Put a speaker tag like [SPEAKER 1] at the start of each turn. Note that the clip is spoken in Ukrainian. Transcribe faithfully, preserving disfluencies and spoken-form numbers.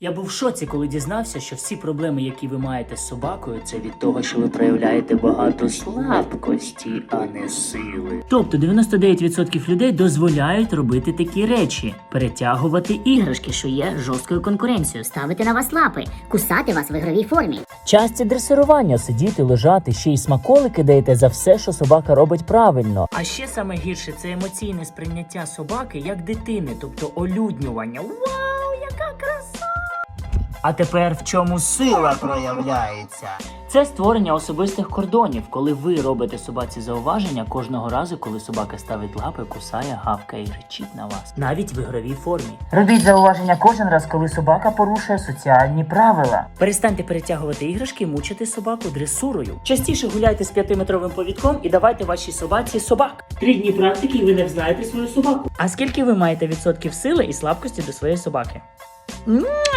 [SPEAKER 1] Я був в шоці, коли дізнався, що всі проблеми, які ви маєте з собакою, це від того, що ви проявляєте багато слабкості, а не сили. Тобто дев'яносто дев'ять відсотків людей дозволяють робити такі речі: перетягувати іграшки,
[SPEAKER 2] що є жорсткою конкуренцією, ставити на вас лапи, кусати вас в ігровій формі.
[SPEAKER 1] часті дресирування, сидіти, лежати, ще й смаколики даєте за все, що собака робить правильно. А ще саме гірше – це емоційне сприйняття собаки як дитини, тобто олюднювання. Вау, яка краса! А тепер в чому сила проявляється? Це створення особистих кордонів, коли ви робите собаці зауваження кожного разу, коли собака ставить лапи, кусає, гавкає і речить на вас. Навіть в ігровій формі. Робіть зауваження кожен раз, коли собака порушує соціальні правила. Перестаньте перетягувати іграшки, мучити собаку дресурою. Частіше гуляйте з п'ятиметровим повідком і давайте вашій собаці собак. Три дні практики і ви не взнаєте свою собаку. А скільки ви маєте відсотків сили і слабкості до своєї собаки?